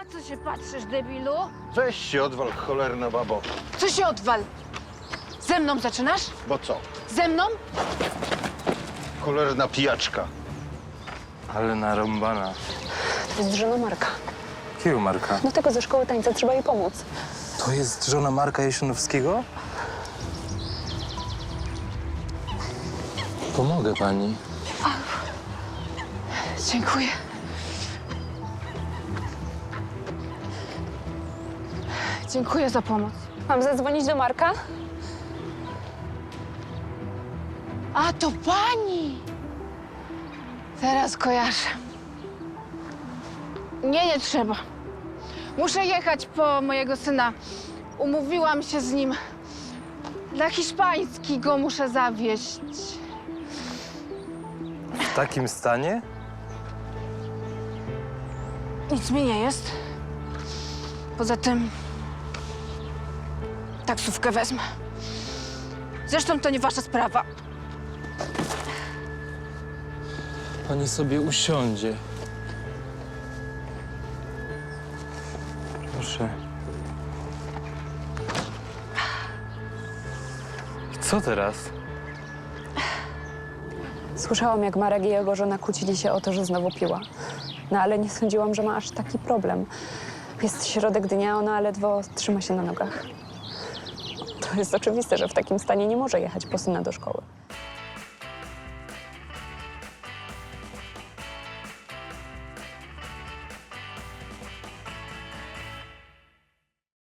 Co się patrzysz, debilu? Weź się odwal, cholerna babo. Co się odwal? Ze mną zaczynasz? Bo co? Ze mną? Cholerna pijaczka. Ale narąbana. To jest żona Marka. Jakiego Marka? Do tego ze szkoły tańca trzeba jej pomóc. To jest żona Marka Jesionowskiego? Pomogę pani. Dziękuję. Dziękuję za pomoc. Mam zadzwonić do Marka? A, to pani! Teraz kojarzę. Nie trzeba. Muszę jechać po mojego syna. Umówiłam się z nim. Na hiszpański go muszę zawieźć. W takim stanie? Nic mi nie jest. Poza tym taksówkę wezmę. Zresztą to nie wasza sprawa. Pani sobie usiądzie. Proszę. I co teraz? Słyszałam, jak Marek i jego żona kłócili się o to, że znowu piła. No ale nie sądziłam, że ma aż taki problem. Jest środek dnia, ona ledwo trzyma się na nogach. To jest oczywiste, że w takim stanie nie może jechać po syna do szkoły.